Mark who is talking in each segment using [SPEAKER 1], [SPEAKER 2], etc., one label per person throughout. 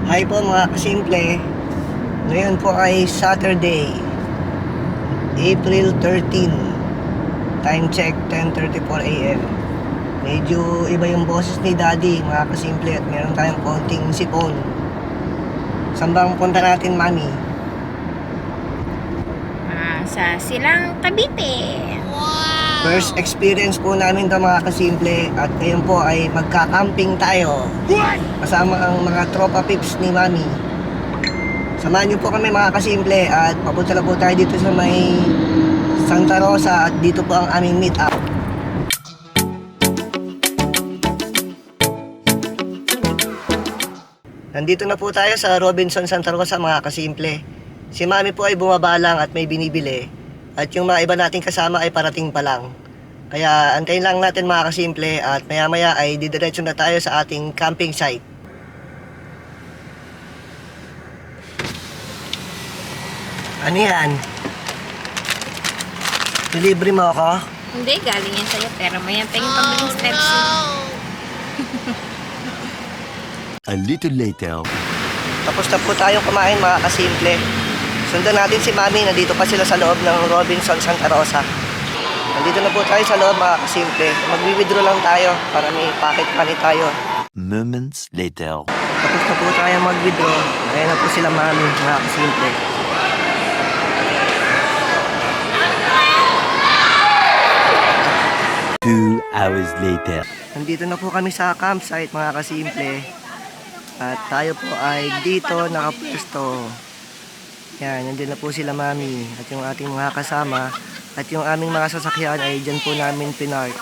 [SPEAKER 1] Hi po mga kasimple. Ngayon po ay Saturday, April 13. Time check 10:34 AM. Medyo iba yung boses ni Daddy mga kasimple at meron tayong konting sipon. Saan bang punta natin, Mami?
[SPEAKER 2] Sa Silang Cavite.
[SPEAKER 1] First experience po namin to mga kasimple at ngayon po ay magka-camping tayo. Kasama ang mga tropa pips ni Mami. Samahan niyo po kami mga kasimple at papunta na po tayo dito sa may Santa Rosa at dito po ang aming meet up. Nandito na po tayo sa Robinson Santa Rosa mga kasimple. Si Mami po ay bumaba lang at may binibili. At yung mga iba nating kasama ay parating pa lang. Kaya antayin lang natin mga kasimple at maya maya ay didiretso na tayo sa ating camping site. Ano yan? Delivery mo ako?
[SPEAKER 2] Hindi, galing yan sa'yo. Pero may penging pambiling steps.
[SPEAKER 3] A little later.
[SPEAKER 1] Tapos na po tayong kumain mga kasimple. Sundan natin si Mami, nandito pa sila sa loob ng Robinson Santa Rosa. Nandito na po tayo sa loob mga kasimple. Magwi-withdraw lang tayo para may pocket money tayo.
[SPEAKER 3] Moments later.
[SPEAKER 1] Tapos na po tayo mag-withdraw. Ayan na po sila Mami mga kasimple.
[SPEAKER 3] Hours later.
[SPEAKER 1] Nandito na po kami sa campsite mga kasimple. At tayo po ay dito nakapwesto. Yan, nandun na po sila Mami at yung ating mga kasama. At yung aming mga sasakyan ay dyan po namin pinark.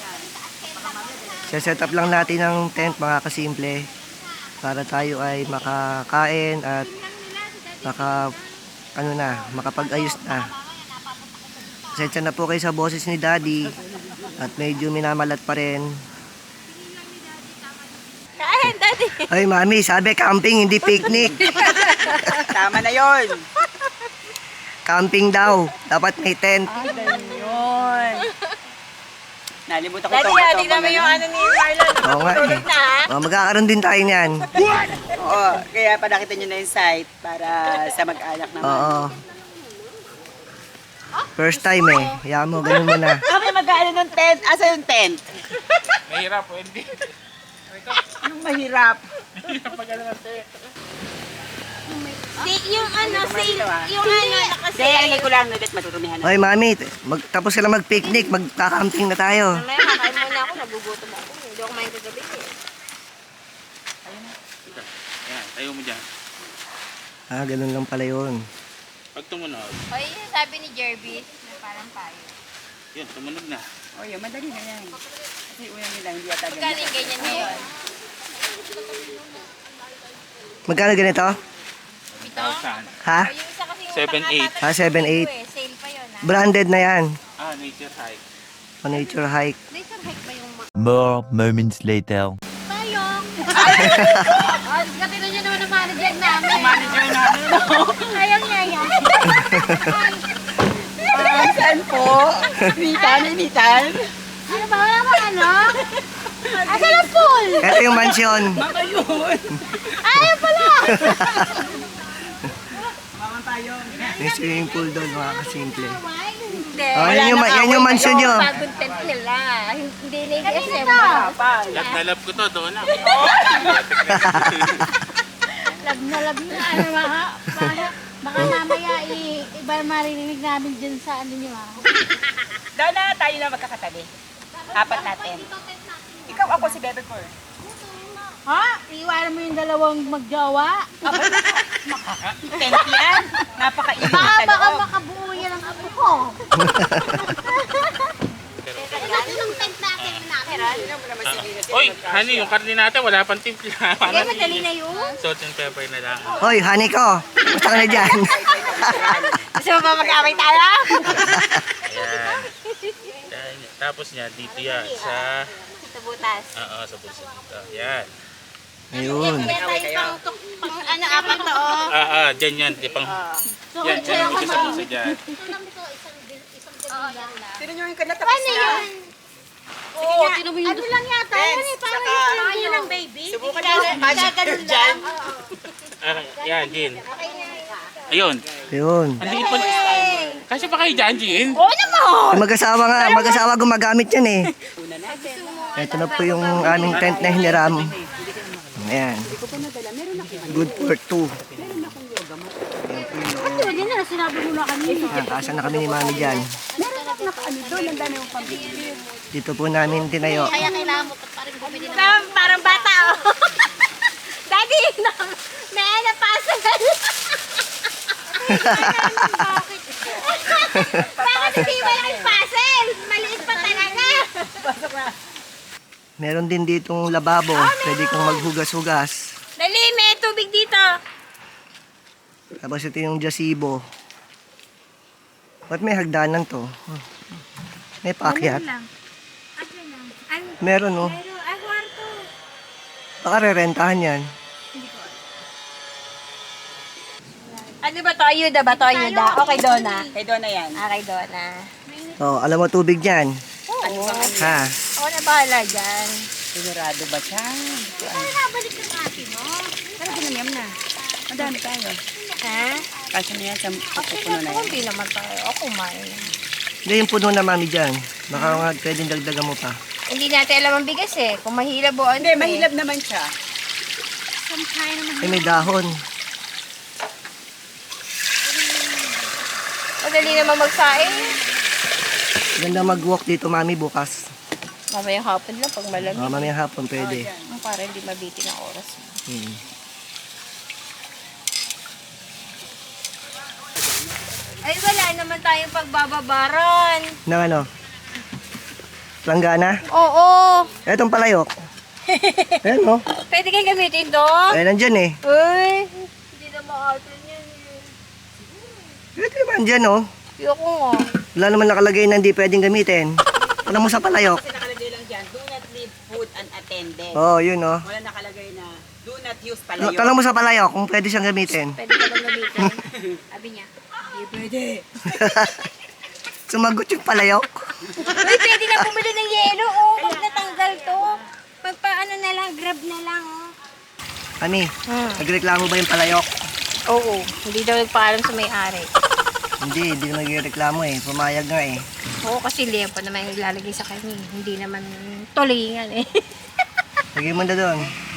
[SPEAKER 1] Set up lang natin ng tent mga kasimple. Para tayo ay makakain at makapag-ayos na. Pasensya na po kayo sa boses ni Daddy. At medyo minamalat pa rin.
[SPEAKER 2] Kain, Daddy!
[SPEAKER 1] Ay, Mami, sabi camping, hindi picnic.
[SPEAKER 4] Tama na yon.
[SPEAKER 1] Camping daw. Dapat may tent.
[SPEAKER 4] Ganun yun. Nalimutan ko
[SPEAKER 2] Daddy,
[SPEAKER 4] ito.
[SPEAKER 2] tingnan mo yung ano ni Marlon.
[SPEAKER 1] Oo nga eh.
[SPEAKER 2] Na, ha?
[SPEAKER 1] Oh, magkakaroon din tayo niyan.
[SPEAKER 4] Oo, kaya panakita nyo na yung site para sa mag-anak naman.
[SPEAKER 1] Oo. First time eh. Hayaan mo, ganun mo na.
[SPEAKER 4] Kami mag-aano ng tent. Asa yung tent?
[SPEAKER 5] Mahirap po, hindi.
[SPEAKER 4] Anong mahirap?
[SPEAKER 2] Yung ano,
[SPEAKER 4] Hindi, alingay ko lang. Nulit, matutumihan na.
[SPEAKER 1] Hoy, Mami, tapos sila mag-picnic, magka-camping na tayo.
[SPEAKER 2] Mamaya, kakain muna ako. Nagugutom ako. Hindi ako kumain kagabi eh.
[SPEAKER 5] Ayan, tayo mo dyan.
[SPEAKER 1] Ah, ganun lang pala yun.
[SPEAKER 5] Pag tumunog,
[SPEAKER 2] O, yun yung sabi ni Jervis na parang payo.
[SPEAKER 5] yun, tumunog na.
[SPEAKER 4] O yun, madali na yan. Kasi una nila, hindi ata
[SPEAKER 2] Magkano
[SPEAKER 4] ganyan.
[SPEAKER 2] yung ganyan ngayon?
[SPEAKER 1] Magkano ganito?
[SPEAKER 2] Ito?
[SPEAKER 5] Saan?
[SPEAKER 1] Ha?
[SPEAKER 2] O, yung isa kasi yung
[SPEAKER 5] 7-8.
[SPEAKER 1] Ah, 7-8.
[SPEAKER 2] Sale pa yun, ha?
[SPEAKER 1] Branded na yan.
[SPEAKER 5] Nature hike.
[SPEAKER 1] O nature hike.
[SPEAKER 2] Laser hike pa yung
[SPEAKER 3] More moments later.
[SPEAKER 2] payong. Ay, katino nyo naman ang manager namin.
[SPEAKER 4] Manager namin, no?
[SPEAKER 2] Ayaw niya yan.
[SPEAKER 4] Saan po? Initan.
[SPEAKER 2] Ano ba? Wala ba ano? Asan ang pool?
[SPEAKER 1] Ito yung mansion.
[SPEAKER 4] Baka yun.
[SPEAKER 2] Ayaw pala.
[SPEAKER 4] Mama tayo.
[SPEAKER 1] May swimming pool doon, mga kasimple.
[SPEAKER 2] Hindi.
[SPEAKER 1] Oh, yan yung mansion nyo.
[SPEAKER 2] Bagong tent nila. Hindi na i-SM.
[SPEAKER 4] Kapal.
[SPEAKER 5] Lab na lab ko to, doon na.
[SPEAKER 6] Lab na ano baka mamaya iba maririnig namin dyan sa ano nyo
[SPEAKER 4] Doon na tayo na magkakatabi. Apat natin. Ikaw ako si Bebe Cor.
[SPEAKER 6] Ha? Iwanan mo yung dalawang magjowa?
[SPEAKER 4] Tent yan. Napakainit
[SPEAKER 6] Baka
[SPEAKER 4] sa loob.
[SPEAKER 6] makabuo yan ang apo ko.
[SPEAKER 2] Yung tent natin
[SPEAKER 5] Oy, honey, yung karne natin, wala pang timpla.
[SPEAKER 2] Hindi, madali na yun.
[SPEAKER 5] Salt and pepper na lang.
[SPEAKER 1] Hoy, honey ko. Basta ka na dyan.
[SPEAKER 2] Gusto mo ba mag-away tayo?
[SPEAKER 5] Ayan. Tapos niya, dito yan.
[SPEAKER 2] Sa butas.
[SPEAKER 5] Sa puso. Yan.
[SPEAKER 1] Ayun.
[SPEAKER 2] Kaya tayo pang ano, apat to,
[SPEAKER 5] Dyan yan. Di pang... Yan, dyan mo siya sa puso dyan.
[SPEAKER 4] Sino nyo yung kanatapos na?
[SPEAKER 2] Oo, tinan mo yung...
[SPEAKER 6] Ano lang yata?
[SPEAKER 4] Friends,
[SPEAKER 6] Ano eh, parang
[SPEAKER 4] saka-
[SPEAKER 6] yung lang baby?
[SPEAKER 4] Subukan nyo. Magic dyan.
[SPEAKER 5] Yan, Jin. Ayun.
[SPEAKER 1] Yun.
[SPEAKER 5] Ang liit pa. Kasi pa kayo dyan, Jin.
[SPEAKER 1] Mag-asawa nga, mag-asawa gumagamit yan eh. Ito na po yung aming tent na hiniram. Ayan. Good for two.
[SPEAKER 6] Hindi na, sinabi mo na kanina.
[SPEAKER 1] Nakasa na kami ni Mami dyan. Dito po namin tinayo.
[SPEAKER 2] Kaya kailangan mo pa rin bumili ng
[SPEAKER 6] Parang bata, oh. Daddy, may ano pasal. Bakit hindi walang pasal? Maliit pa talaga.
[SPEAKER 1] Meron din ditong lababo. Pwede kong maghugas-hugas.
[SPEAKER 6] Dali, may tubig dito.
[SPEAKER 1] Tapos ito yung jasibo. Ba't may hagdanan to? May paakyat. Meron oh.
[SPEAKER 6] Ay, kwarto.
[SPEAKER 1] Baka re-rentahan yan.
[SPEAKER 6] Ano ba to? Ayuda ba to? Ayuda? Okay, Donna.
[SPEAKER 4] Kay Donna yan.
[SPEAKER 6] Okay, Donna.
[SPEAKER 1] Oh, alam mo tubig dyan.
[SPEAKER 6] Oo.
[SPEAKER 1] Ha?
[SPEAKER 6] Ako na bahala dyan.
[SPEAKER 4] Sigurado ba siya?
[SPEAKER 6] Nabalik ng ate mo.
[SPEAKER 4] Pero ginamiyam na. Madami tayo.
[SPEAKER 6] Ha?
[SPEAKER 4] Kasi niya sa pupuno na yan.
[SPEAKER 6] Hindi naman tayo. Ako kumain.
[SPEAKER 1] Hindi yung puno na Mami dyan. Baka nga pwedeng dagdagan mo pa.
[SPEAKER 6] Hindi natin alam ang bigas eh. Kung mahilab o ano.
[SPEAKER 4] Hindi, mahilab naman siya.
[SPEAKER 1] Ay, may dahon.
[SPEAKER 6] Madali naman magsaing.
[SPEAKER 1] Ganda mag-walk dito Mami bukas.
[SPEAKER 6] Mamayang hapon lang pag malamig.
[SPEAKER 1] Mamayang hapon pwede.
[SPEAKER 6] Para hindi mabitin ang oras.
[SPEAKER 1] Hmm.
[SPEAKER 6] Ay, wala naman tayong pagbababaran.
[SPEAKER 1] Nang ano? Planggana?
[SPEAKER 6] Oo.
[SPEAKER 1] Etong palayok. Ayan oh.
[SPEAKER 6] Pwede kayong gamitin to?
[SPEAKER 1] Ay, nandyan eh.
[SPEAKER 6] Uy. Hindi na makatun yan eh.
[SPEAKER 1] Pwede naman dyan oh.
[SPEAKER 6] Ayoko nga.
[SPEAKER 1] Wala naman nakalagay na hindi pwedeng gamitin. Alam mo sa palayok.
[SPEAKER 4] Kasi nakalagay lang dyan, do not leave food unattended.
[SPEAKER 1] Oo, yun oh.
[SPEAKER 4] Wala nakalagay na, do not use
[SPEAKER 1] Tanong
[SPEAKER 4] palayo.
[SPEAKER 1] mo sa palayok kung pwede siyang gamitin.
[SPEAKER 6] Pwede ka bang gamitin? Sabi niya.
[SPEAKER 4] Hindi pwede.
[SPEAKER 1] Sumagot yung palayok.
[SPEAKER 6] Uy, pwede na bumili ng yelo. Oh, pag natanggal to. Magpaano na lang, grab na lang. Oh.
[SPEAKER 1] Mami, nagreklamo ba yung palayok?
[SPEAKER 6] Oo. Hindi daw nagpaalam sa may-ari.
[SPEAKER 1] Hindi naman nagreklamo eh. Pumayag nga eh.
[SPEAKER 6] Oo, kasi liyan pa naman yung ilalagay sa kanya. Hindi naman tulingan eh.
[SPEAKER 1] Lagay mo na doon.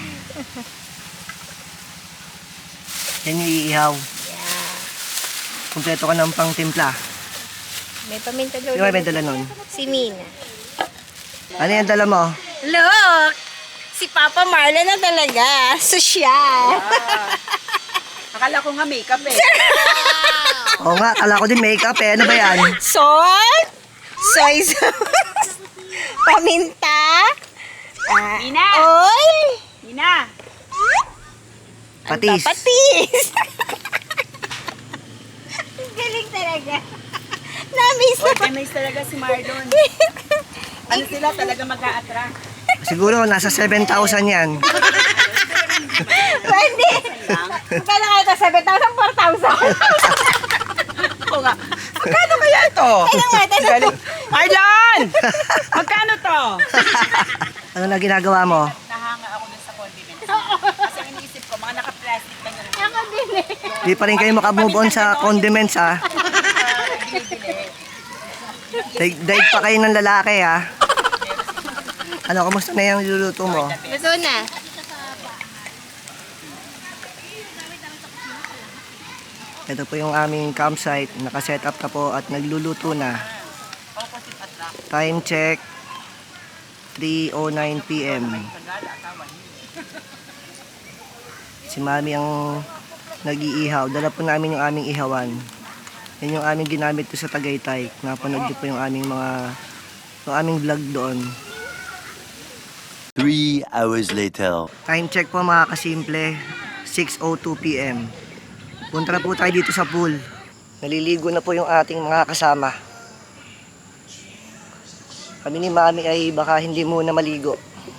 [SPEAKER 1] Yan yung iihaw.
[SPEAKER 6] Yeah.
[SPEAKER 1] Kumpleto ka ng pang timpla.
[SPEAKER 6] May paminta daw.
[SPEAKER 1] Di ba may dala nun?
[SPEAKER 6] Si Mina.
[SPEAKER 1] Ano yung dala mo?
[SPEAKER 6] Look! Si Papa Marlon na talaga. Sosyal.
[SPEAKER 4] Akala ko nga makeup eh.
[SPEAKER 1] Oo nga, kala ko din makeup eh. Ano ba yan?
[SPEAKER 6] Salt. Soy sauce. Paminta.
[SPEAKER 4] Ina!
[SPEAKER 6] Oil.
[SPEAKER 4] Ina!
[SPEAKER 1] Patis.
[SPEAKER 6] Patis. Galing talaga. Namiss
[SPEAKER 4] Oy,
[SPEAKER 6] na.
[SPEAKER 4] nice talaga si Marlon. Ano sila talaga mag-a-attract?
[SPEAKER 1] Siguro nasa 7,000 yan.
[SPEAKER 6] Pwede. Magkano kayo ito? 7,000? 4,000?
[SPEAKER 4] Oo nga. Magkano kaya ito?
[SPEAKER 6] Tanong.
[SPEAKER 4] Marlon! Magkano to?
[SPEAKER 1] Ano na ginagawa mo?
[SPEAKER 4] Nahanga ako dun sa condiments. Kasi iniisip ko, mga naka-plastic na yun.
[SPEAKER 6] Ako din eh.
[SPEAKER 1] Di pa rin kayo makamove on sa condiments ha. Daig pa kayo ng lalaki ha. Ano, kamusta na yung luluto mo?
[SPEAKER 6] Luto na.
[SPEAKER 1] Ito po yung aming campsite. Nakaset up na po at nagluluto na. Time check. 3:09 PM. Si Mami ang nag-iihaw. Dala po namin yung aming ihawan. Yan yung aming ginamit ko sa Tagaytay. Napanood niyo po yung aming vlog doon.
[SPEAKER 3] 3 hours later.
[SPEAKER 1] Time check po mga kasimple. 6:02 PM. Punta na po tayo dito sa pool. Naliligo na po yung ating mga kasama. Kami ni Mami ay baka hindi muna maligo.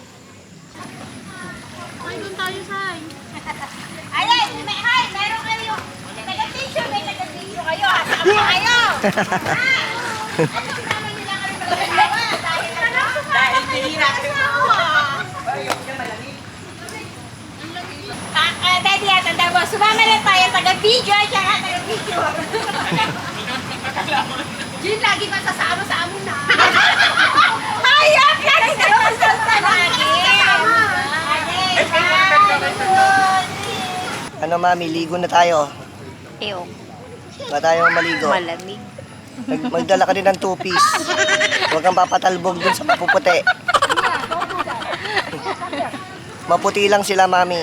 [SPEAKER 6] Ay, doon tayo, Sai. Ayan, hi, meron kayo. Taga-tissue, may taga-tissue kayo. Hasama kayo. Anong naman nila kami magagawa?
[SPEAKER 4] Dahil pihira ko.
[SPEAKER 6] Daddy, tanda mo, Taga-video, siya nga taga-video. Yun lagi masasama sa amo na. Hayop! Lagi na masasama lagi.
[SPEAKER 1] Ano mami, ligo na tayo.
[SPEAKER 2] Eyo,
[SPEAKER 1] Ba tayo maligo?
[SPEAKER 2] malamig.
[SPEAKER 1] Magdala ka din ng two-piece. Huwag kang papatalbog dun sa mapuputi. Maputi lang sila, mami.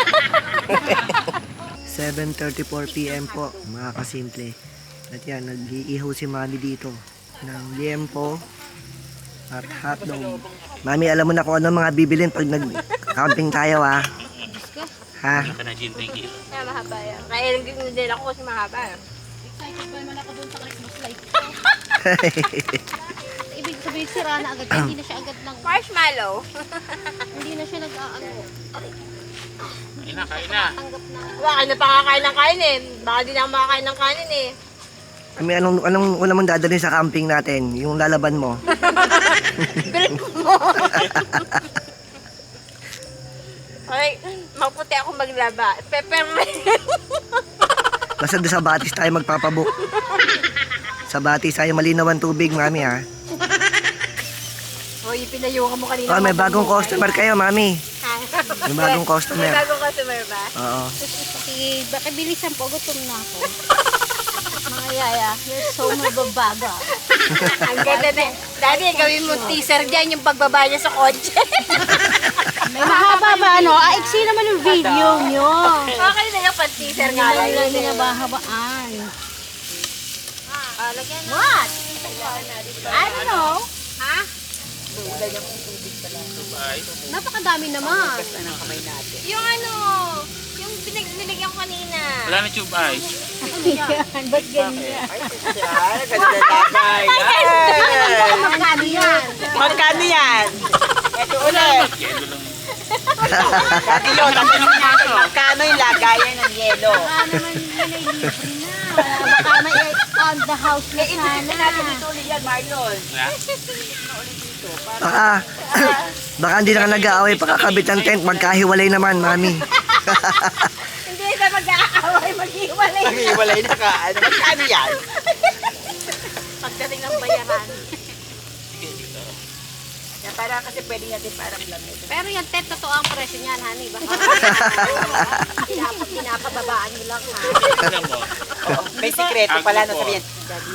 [SPEAKER 1] 7:34 PM po, mga kasimple. At yan, nag-iihaw si mami dito ng liempo at hotdog. Mami, alam mo na kung ano mga bibilin pag nag-camping tayo, ha? Ha?
[SPEAKER 5] Ito na, Jin, thank you.
[SPEAKER 6] Kaya mahaba yan. Kaya lang din ako kasi mahaba.
[SPEAKER 2] Excited pa naman ako dun sa Christmas light ko. Ibig sabihin, sira na agad. Hindi na siya agad lang.
[SPEAKER 6] Marshmallow.
[SPEAKER 2] Hindi na siya nag-aano.
[SPEAKER 5] Kain na, kain na.
[SPEAKER 2] Tanggap na.
[SPEAKER 6] Baka na pakakain ng kain eh. Baka di na ako makakain ng kanin eh.
[SPEAKER 1] Kami, anong una mong dadalhin sa camping natin? Yung lalaban mo?
[SPEAKER 6] Okay, maputi ako maglaba. Peppermint.
[SPEAKER 1] Basta doon sa Batis tayo magpapabook. Sa Batis tayo malinaw ang tubig, mami, ha?
[SPEAKER 6] Hoy, pinayo ka mo kanina.
[SPEAKER 1] Oh, may bagong customer kayo, mami. May bagong
[SPEAKER 6] May
[SPEAKER 1] customer.
[SPEAKER 6] bagong customer ba?
[SPEAKER 1] Oo.
[SPEAKER 2] Sige, baka bilisan po. Gutom na ako. Mga yaya, you're so mababaga.
[SPEAKER 6] Ang ganda na. Daddy, gawin mo teaser dyan yung pagbaba niya sa kotse.
[SPEAKER 2] May mahaba ba, ano? Iksi naman yung video nyo.
[SPEAKER 6] Okay na yung pan-teaser
[SPEAKER 2] Hindi
[SPEAKER 6] nga
[SPEAKER 2] naman
[SPEAKER 6] lang
[SPEAKER 2] lang
[SPEAKER 6] yun eh.
[SPEAKER 2] binabahabaan.
[SPEAKER 6] Lagyan na.
[SPEAKER 2] What? I don't know.
[SPEAKER 6] Ha?
[SPEAKER 2] Napakadami naman.
[SPEAKER 6] Yung ano, yung binigyan ko kanina.
[SPEAKER 5] Wala na tube ice.
[SPEAKER 2] Ba't ganyan?
[SPEAKER 6] Magkano yan?
[SPEAKER 4] Magkano yan? Ito ulit.
[SPEAKER 5] Yelo lang.
[SPEAKER 4] Dati yun, magkano yung lagayan ng yelo?
[SPEAKER 2] Baka naman yun ay libre na. Baka may on the house na
[SPEAKER 4] Natin
[SPEAKER 2] sana.
[SPEAKER 4] dito ulit yan, Marlon.
[SPEAKER 5] Wala?
[SPEAKER 1] Baka hindi na ka nag-aaway pagkakabit ng tent. Magkahiwalay naman, mami.
[SPEAKER 6] Hindi na mag-aaway, mag-iwalay.
[SPEAKER 4] Nag-iwalay na ka. Ano, magkano yan?
[SPEAKER 6] Pagdating ng bayaran.
[SPEAKER 5] Sige, dito.
[SPEAKER 4] Yan, para kasi pwede natin parang lamig.
[SPEAKER 2] Pero yung tent, totoo ang presyo niyan, honey. Baka pinapababaan mo lang, ha?
[SPEAKER 5] Tignan mo.
[SPEAKER 4] May sikreto pala na
[SPEAKER 5] Agbo po.
[SPEAKER 4] sabihin.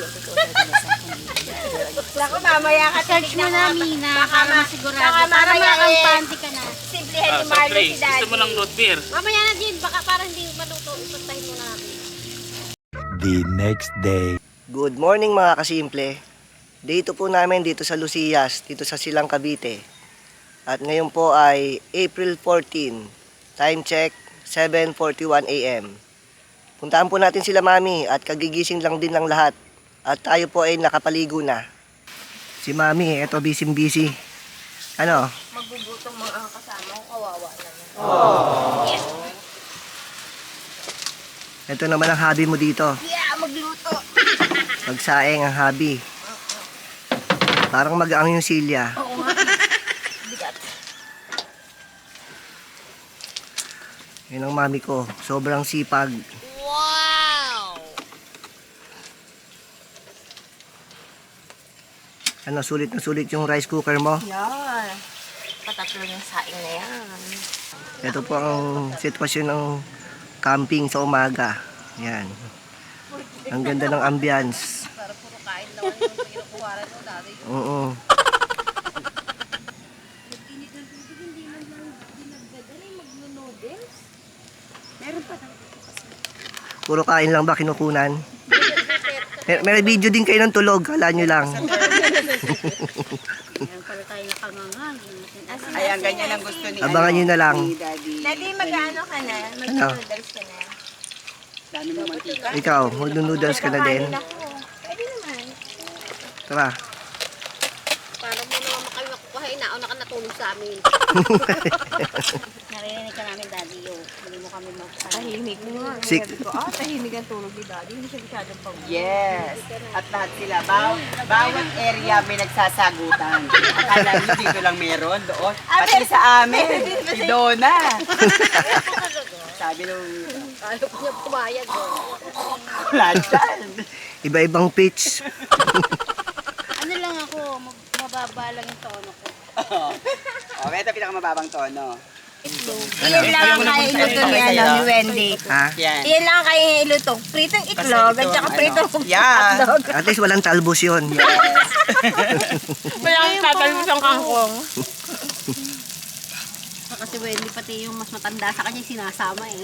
[SPEAKER 6] Naku, mamaya ka
[SPEAKER 2] Search mo na, Mina, para masigurado.
[SPEAKER 6] baka
[SPEAKER 2] Para
[SPEAKER 6] mamaya
[SPEAKER 2] makampante ka na.
[SPEAKER 6] Simplihan ni
[SPEAKER 5] Soft
[SPEAKER 6] Marlo si
[SPEAKER 5] drinks.
[SPEAKER 6] Daddy.
[SPEAKER 5] Gusto mo ng root beer?
[SPEAKER 2] Mamaya na din, baka para hindi maluto. Ipastahin mo na natin.
[SPEAKER 3] The next day.
[SPEAKER 1] Good morning, mga kasimple. Dito po namin dito sa Lucias, dito sa Silang Cavite. At ngayon po ay April 14. Time check, 7:41 AM. Puntaan po natin sila, mami, at kagigising lang din ng lahat. At tayo po ay nakapaligo na. Si mami, eto busy-busy. Ano?
[SPEAKER 6] Magbubutong mga kasama ko, kawawa naman.
[SPEAKER 1] Ito naman ang hobby mo dito.
[SPEAKER 6] Yeah, magluto.
[SPEAKER 1] Magsaing ang hobby. Parang mag-ang yung silya. Yun ang mami ko. Sobrang sipag.
[SPEAKER 6] Wow!
[SPEAKER 1] Ano, sulit na sulit yung rice cooker mo.
[SPEAKER 6] Yan. Patatlo yung saing na yan.
[SPEAKER 1] Ito po ang sitwasyon ng camping sa umaga. Yan. Ang ganda ng ambience.
[SPEAKER 2] Para puro kain naman yung kinukuharan mo dati.
[SPEAKER 1] Oo. Puro kain lang ba kinukunan? May video din kayo ng tulog. Kala nyo lang.
[SPEAKER 2] Ayan pala tayo nakangangang.
[SPEAKER 4] Ayan, ganyan ang gusto ni
[SPEAKER 1] Abangan nyo na lang.
[SPEAKER 4] ni Daddy.
[SPEAKER 6] Daddy, mag-ano ka na? Mag-noodles ka na?
[SPEAKER 4] Dami mo mantika.
[SPEAKER 1] Ikaw, mag-noodles ka na din.
[SPEAKER 6] Kain ako. Pwede naman.
[SPEAKER 1] Tara.
[SPEAKER 2] Para mo naman kayo makukuha, nauna ka natulog sa amin. Narinig ka namin, Daddy, yung hindi mo kami magpapahin.
[SPEAKER 6] Tahimik mo nga.
[SPEAKER 1] Sik.
[SPEAKER 6] Sabi ko, tahimik ang tulog ni Daddy. Hindi siya masyadong pag...
[SPEAKER 4] Yes. At lahat sila. Bawat area may nagsasagutan. Akala nyo dito lang meron doon. Pati sa amin. Si Donna. Sabi nung
[SPEAKER 2] Ayaw ko niya pumayag.
[SPEAKER 4] lahat.
[SPEAKER 1] Iba-ibang pitch.
[SPEAKER 2] Ano lang ako, mababa lang yung tono ko.
[SPEAKER 4] Okay, ito pinakamababang tono.
[SPEAKER 6] Iyan lang kaya iluto ni, ni Wendy.
[SPEAKER 1] Ha?
[SPEAKER 4] Yan.
[SPEAKER 6] Iyan lang kaya iluto. Pritong itlog at saka pritong
[SPEAKER 4] Yeah.
[SPEAKER 6] hotdog.
[SPEAKER 1] At least walang talbos yun.
[SPEAKER 6] Walang tatalbos ang kangkong.
[SPEAKER 2] Kasi Wendy pati yung mas matanda sa kanya sinasama eh.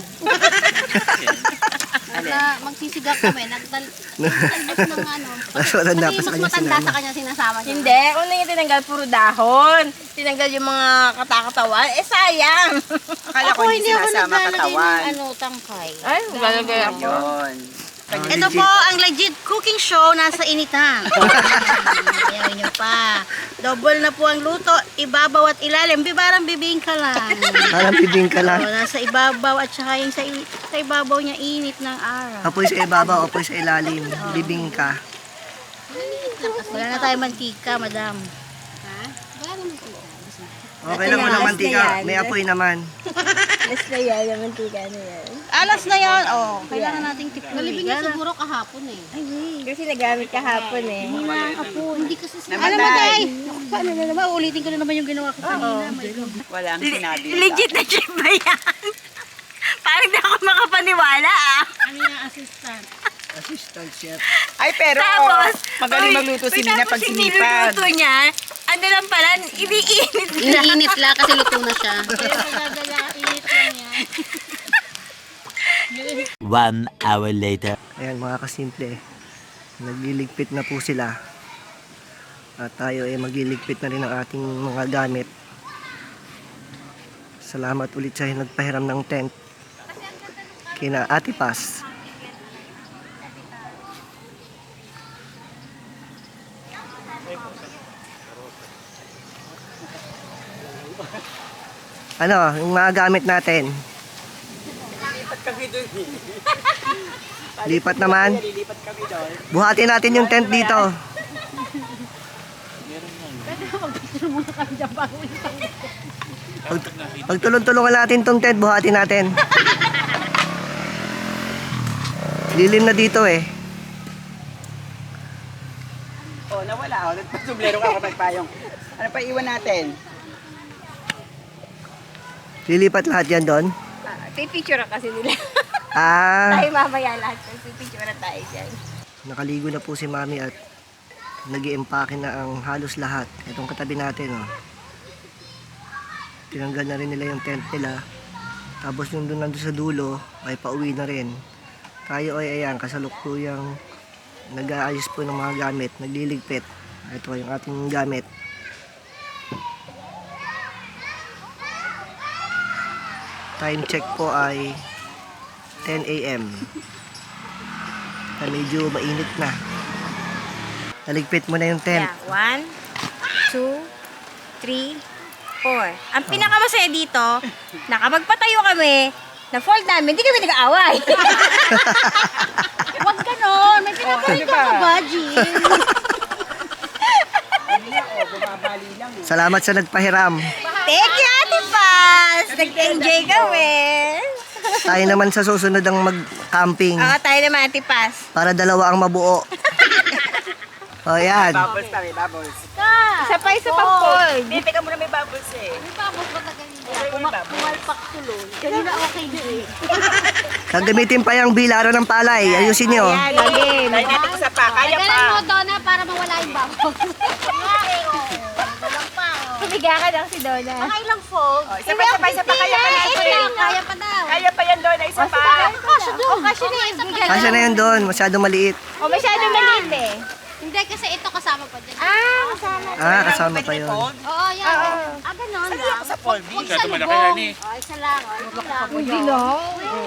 [SPEAKER 2] Magsisigap kami, nagtalbos ng ano.
[SPEAKER 1] Mas matanda pa
[SPEAKER 2] Pati
[SPEAKER 1] sa
[SPEAKER 2] mas
[SPEAKER 1] kanya
[SPEAKER 2] matanda
[SPEAKER 1] sinama.
[SPEAKER 2] sa kanya sinasama niya.
[SPEAKER 6] Hindi, kung yung tinanggal puro dahon. Tinanggal yung mga katakatawan. Eh sayang.
[SPEAKER 4] Akala ko hindi sinasama
[SPEAKER 2] naglalagay
[SPEAKER 4] katawan.
[SPEAKER 2] ng ano, tangkay.
[SPEAKER 6] Ay, lalagay ako.
[SPEAKER 4] Yun.
[SPEAKER 2] Ito po ang legit cooking show nasa initan. Ayaw nyo pa. Double na po ang luto, ibabaw at ilalim. Parang bibingka lang.
[SPEAKER 1] Parang bibingka lang.
[SPEAKER 2] O, nasa ibabaw at saka yung sa ibabaw niya init ng araw.
[SPEAKER 1] Apoy sa ibabaw, apoy sa ilalim. Bibingka.
[SPEAKER 2] Wala na tayo mantika, madam. Ha? Wala na mantika.
[SPEAKER 1] Okay lang mo ng mantika. May apoy naman.
[SPEAKER 6] Last na yan, yung mantika na yan.
[SPEAKER 2] Alas na yan. Oh, kailangan nating tikman. Nalibing niya siguro kahapon eh.
[SPEAKER 6] Kasi nagamit kahapon eh.
[SPEAKER 2] Hindi kasi
[SPEAKER 4] Namatay.
[SPEAKER 2] Alam mo tayo. Paano na naman? Ulitin ko na naman yung ginawa ko kanina.
[SPEAKER 4] Walang sinabi.
[SPEAKER 6] Legit na chef ba yan? Parang di ako makapaniwala ah.
[SPEAKER 2] Ano yung assistant?
[SPEAKER 1] Assistant chef.
[SPEAKER 4] Ay, pero
[SPEAKER 6] Tapos,
[SPEAKER 4] magaling magluto si Nina pag sinipag.
[SPEAKER 6] Tapos yung niya, ano lang pala, iniinit na.
[SPEAKER 2] Iniinit lang kasi luto na siya. Pero pagdadala, init lang yan.
[SPEAKER 3] 1 hour later.
[SPEAKER 1] Ayan mga kasimple. Nagliligpit na po sila. At tayo ay magliligpit na rin ang ating mga gamit. Salamat ulit sa nagpahiram ng tent. Kina Ate Paz. Ano, yung mga gamit natin.
[SPEAKER 4] Lipat kami dun.
[SPEAKER 1] Lipat naman.
[SPEAKER 4] Lilipat kami doon.
[SPEAKER 1] Buhatin natin yung tent dito. Pagtulong-tulungan natin tong tent, buhatin natin. Lilim na dito eh.
[SPEAKER 4] Oh, nawala. Oh, nagpasublero ka kapag payong. Ano pa iwan natin?
[SPEAKER 1] Lilipat lahat yan doon.
[SPEAKER 6] Pipicture kasi nila.
[SPEAKER 1] Ah,
[SPEAKER 6] Tayo mamaya lahat. Pipicture na tayo dyan.
[SPEAKER 1] nakaligo na po si Mami at nag-i-empake na ang halos lahat. Itong katabi natin, oh. Tinanggal na rin nila yung tent nila. Tapos yung doon nandun sa dulo, ay pauwi na rin. Tayo ay ayan, kasalukuyang nag-aayos po ng mga gamit, nagliligpit. Ito yung ating gamit. Time check po ay 10 a.m. Na medyo mainit na. Naligpit mo na yung tent.
[SPEAKER 6] Yeah, 1, 2, 3, 4. Ang pinakamasaya dito, nakapagpatayo kami, na-fold namin, hindi kami nag-aaway.
[SPEAKER 2] Huwag ganon. May pinapalik
[SPEAKER 4] Ano ba?
[SPEAKER 2] ka ba, Jill?
[SPEAKER 4] Bumabali lang.
[SPEAKER 1] Salamat sa nagpahiram.
[SPEAKER 6] Thank you, Ate Paz! Nag-enjoy kami.
[SPEAKER 1] Tayo naman sa susunod ang mag-camping
[SPEAKER 6] Oo, tayo naman, Ate Paz.
[SPEAKER 1] para dalawa ang mabuo. O yan.
[SPEAKER 4] Bubbles pa, may bubbles.
[SPEAKER 6] Isa pa, isa pang fold.
[SPEAKER 4] Hindi, teka muna may bubbles eh.
[SPEAKER 2] May bubbles ba na ganito?
[SPEAKER 4] May bubbles.
[SPEAKER 2] Pumalpak tuloy. Kanina okay din.
[SPEAKER 1] Gagamitin pa yung bilaro ng palay. Ayusin nyo.
[SPEAKER 6] Ayan, again.
[SPEAKER 4] Dahil natin isa pa, kaya pa.
[SPEAKER 2] Galan mo, Donna, para mawala yung bubbles.
[SPEAKER 6] Tumiga ka lang si Donna.
[SPEAKER 2] Mga ilang fold?
[SPEAKER 4] Oh, isa pa, kaya pa,
[SPEAKER 2] Kaya pa daw.
[SPEAKER 4] Kaya pa yan doon, isa pa.
[SPEAKER 2] Kasya doon. Kasya na yun.
[SPEAKER 1] Kasya na yun doon. Masyadong maliit.
[SPEAKER 6] O, masyado maliit eh.
[SPEAKER 2] Hindi, kasi ito kasama pa dyan.
[SPEAKER 6] Kasama.
[SPEAKER 1] Ah, kasama pa yun.
[SPEAKER 2] Oo, yan. Ganon lang.
[SPEAKER 4] Sa fold.
[SPEAKER 2] Huwag
[SPEAKER 5] Masyado
[SPEAKER 2] sa
[SPEAKER 5] malaki
[SPEAKER 2] lubong.
[SPEAKER 5] yan eh.
[SPEAKER 2] Oh, isa lang. Isa lang.
[SPEAKER 6] Hindi lang.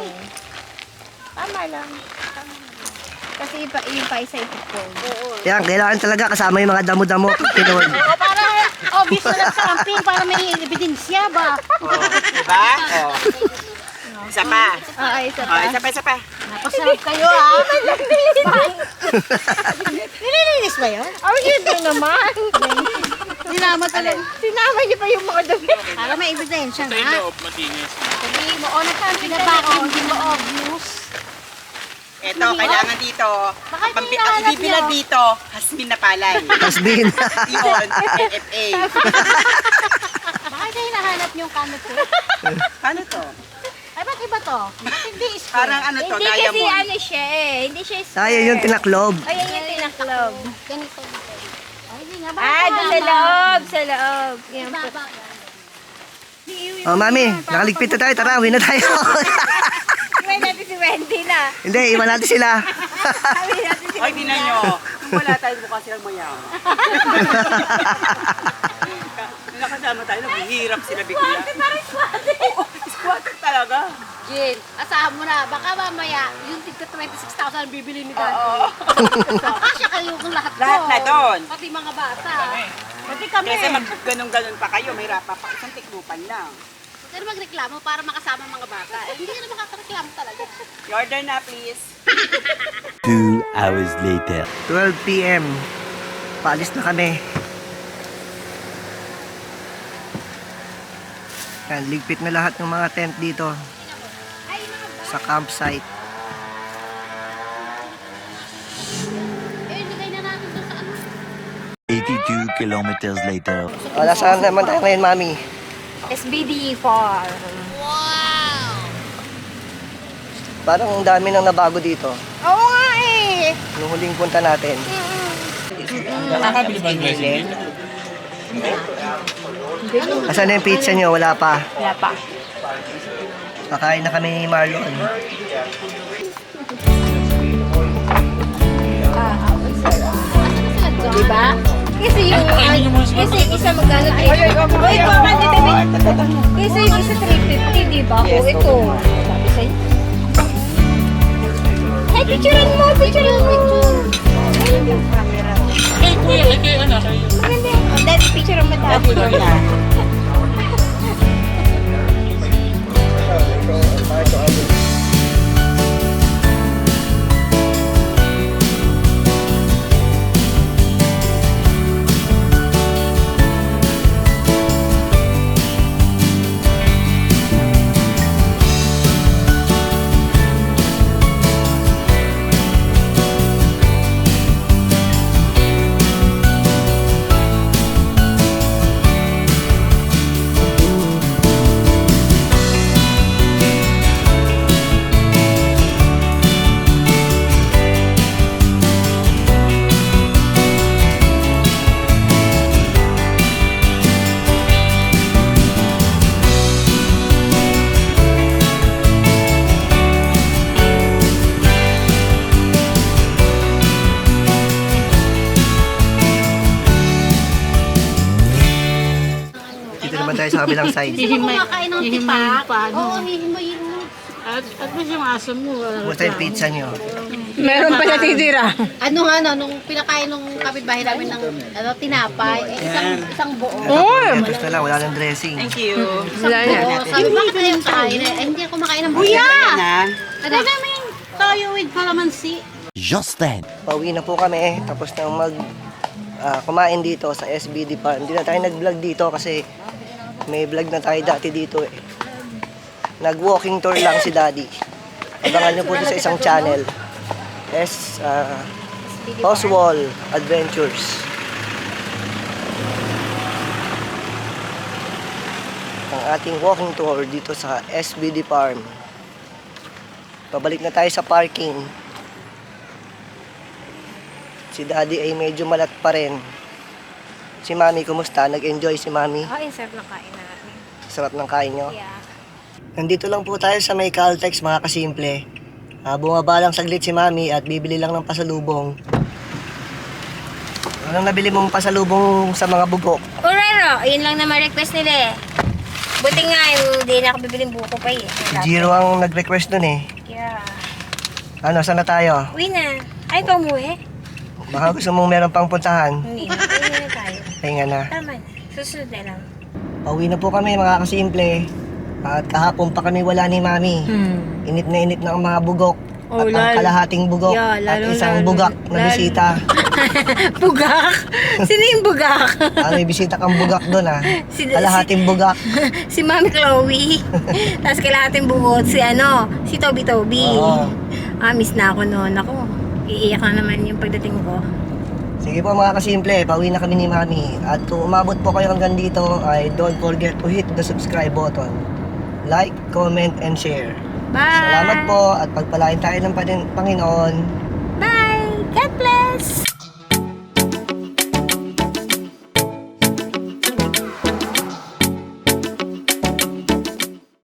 [SPEAKER 6] Tama lang. Kasi yung pa isa ipipon.
[SPEAKER 1] Yan, kailangan talaga kasama yung mga damo-damo. Pinod.
[SPEAKER 2] O, para obvious na lang sa camping para may ebidensya ba?
[SPEAKER 4] Oh, diba? Oh. Isa pa.
[SPEAKER 6] Oo, isa
[SPEAKER 4] Oh, isa pa, isa pa.
[SPEAKER 2] Napasarap kayo ah.
[SPEAKER 6] Nililinis ba yun? Oh, yun doon naman.
[SPEAKER 2] Sinama talaga.
[SPEAKER 6] Sinama niyo pa yung mga damit.
[SPEAKER 2] Para may ebidensya
[SPEAKER 5] Sa
[SPEAKER 2] nga.
[SPEAKER 5] loob, matinis.
[SPEAKER 2] Sabihin mo, o nagkampi ka ba ako? Hindi mo obvious.
[SPEAKER 4] Eto, kailangan dito.
[SPEAKER 2] Bakit
[SPEAKER 4] Ang
[SPEAKER 2] hinahanap
[SPEAKER 4] ibibilad
[SPEAKER 2] niyo?
[SPEAKER 4] dito, hasmin na palay.
[SPEAKER 1] Hasbin.
[SPEAKER 4] Iyon, NFA.
[SPEAKER 2] Bakit hinahanap yung camera?
[SPEAKER 4] Paano to?
[SPEAKER 2] Ay, ba't iba to? Ba't hindi square?
[SPEAKER 4] Parang ano to,
[SPEAKER 6] Hindi kasi
[SPEAKER 4] diamond.
[SPEAKER 6] ano siya eh. Hindi siya square.
[SPEAKER 1] Tayo yung tinaklob.
[SPEAKER 6] Ayan yung tinaklob.
[SPEAKER 2] Ganito. Ay, hindi nga.
[SPEAKER 6] Ah, doon sa loob. Sa loob. Yan po.
[SPEAKER 1] Oh, mami, nakaligpit na tayo. Tara, uwi na tayo.
[SPEAKER 6] Iwan natin si Wendy na.
[SPEAKER 1] Hindi, iwan natin sila.
[SPEAKER 6] Iwan natin si
[SPEAKER 4] Ay,
[SPEAKER 6] Wendy
[SPEAKER 4] tinan
[SPEAKER 6] na.
[SPEAKER 4] nyo. Kung wala tayo, mukha silang mayaman. Nung nakasama tayo, naghihirap sila bigla.
[SPEAKER 6] Parang swate.
[SPEAKER 4] Squatter talaga.
[SPEAKER 2] Jin, asahan mo na. Baka mamaya, yung tigka 26,000 ang bibili ni Daddy.
[SPEAKER 4] Oo.
[SPEAKER 2] Kasya kayo kung lahat to.
[SPEAKER 4] Lahat na doon.
[SPEAKER 2] Pati mga bata.
[SPEAKER 4] Pati kami. Kasi mag-ganun-ganun pa kayo, may rapa pa. Isang tiklupan lang.
[SPEAKER 2] Pero magreklamo para makasama ang mga bata. Eh, hindi ka na makakareklamo talaga.
[SPEAKER 4] Your order na, please.
[SPEAKER 3] 2 hours later.
[SPEAKER 1] 12 p.m. Paalis na kami. Yan, ligpit na lahat ng mga tent dito sa campsite.
[SPEAKER 2] Eh, nilagay na natin doon sa ano.
[SPEAKER 3] 82 kilometers later.
[SPEAKER 1] O, nasaan naman tayo ngayon, mami?
[SPEAKER 6] SBD Farm.
[SPEAKER 1] Parang ang dami nang nabago dito.
[SPEAKER 6] Oo nga eh.
[SPEAKER 1] Nung huling punta natin.
[SPEAKER 5] Nakakabili ba ang blessing dito?
[SPEAKER 1] Asan na yung pizza nyo? Wala pa.
[SPEAKER 6] Wala pa.
[SPEAKER 1] Kakain na kami ni Marlon.
[SPEAKER 6] Diba? Kasi yung kasi isa magkano 350. Oy, pa kasi yung isa 350, di ba? O ito. Sabi sa'yo. Ay, picturean mo, picturean mo.
[SPEAKER 5] Ay, kuya, ay kay anak.
[SPEAKER 6] Maganda yan. Oh, dahil picture mo daw.
[SPEAKER 1] Dito naman tayo sa kabilang side.
[SPEAKER 2] Hindi mo kumakain ng tipak. Oo, hihimayin mo.
[SPEAKER 7] At mo yung aso mo.
[SPEAKER 1] Basta yung pizza nyo.
[SPEAKER 6] Meron pa natitira.
[SPEAKER 2] Ano nga, no, nung pinakain nung kapitbahay namin ng ano, tinapay, isang buo.
[SPEAKER 1] Tapos na lang, wala nang dressing.
[SPEAKER 4] Thank you.
[SPEAKER 6] Wala na.
[SPEAKER 2] Oo, sabi, bakit na yung kain? Eh, hindi ako makain ng buya!
[SPEAKER 4] Na.
[SPEAKER 2] Ano namin toyo with calamansi.
[SPEAKER 3] Just then.
[SPEAKER 1] Pauwi na po kami. Tapos na kumain dito sa SBD Farm. Hindi na tayo nag-vlog dito kasi may vlog na tayo dati dito eh. Nag-walking tour lang si Daddy. Abangan nyo po dito sa isang channel. Oswald Adventures. Ang ating walking tour dito sa SBD Farm. Pabalik na tayo sa parking. Si Daddy ay medyo malat pa rin. Si Mami, kumusta? Nag-enjoy si Mami?
[SPEAKER 6] Oh, yung sarap ng kain namin.
[SPEAKER 1] Sarap ng kain nyo?
[SPEAKER 6] Yeah.
[SPEAKER 1] Nandito lang po tayo sa may Caltex, mga kasimple. Bumaba lang saglit si Mami at bibili lang ng pasalubong. Anong nabili mong pasalubong sa mga bubok?
[SPEAKER 6] Urero, yun lang naman request nila eh. Buti nga, hindi na ako bibiling buko pa eh.
[SPEAKER 1] Jiro ang nag-request dun eh.
[SPEAKER 6] Yeah.
[SPEAKER 1] Ano, saan na tayo?
[SPEAKER 6] Uwi na. Ay, ikaw umuwi?
[SPEAKER 1] Baka gusto mong meron pang puntahan.
[SPEAKER 6] Hindi na. Uwi na tayo.
[SPEAKER 1] Pahinga na.
[SPEAKER 6] Tama na. Susunod na lang.
[SPEAKER 1] Pauwi na po kami, mga kasimple. At kahapon pa kami wala ni Mami. Init na ang mga bugok.
[SPEAKER 6] Oh,
[SPEAKER 1] at ang kalahating bugok
[SPEAKER 6] Yeah,
[SPEAKER 1] at
[SPEAKER 6] lalong-
[SPEAKER 1] isang bugak na bisita.
[SPEAKER 6] Bugak? Sino yung bugak?
[SPEAKER 1] May bisita kang bugak doon
[SPEAKER 6] Si-
[SPEAKER 1] Kalahating bugak.
[SPEAKER 6] Si Mami Chloe. Tapos kailangan bugot si Toby.
[SPEAKER 1] Oo.
[SPEAKER 6] Miss na ako noon. Ako, iiyak na naman yung pagdating ko.
[SPEAKER 1] Sige po mga kasimple, pauwi na kami ni Mami. At kung umabot po kayo hanggang dito, ay don't forget to hit the subscribe button. Like, comment, and share.
[SPEAKER 6] Bye!
[SPEAKER 1] Salamat po at pagpalain tayo ng Panginoon.
[SPEAKER 6] Bye! God bless!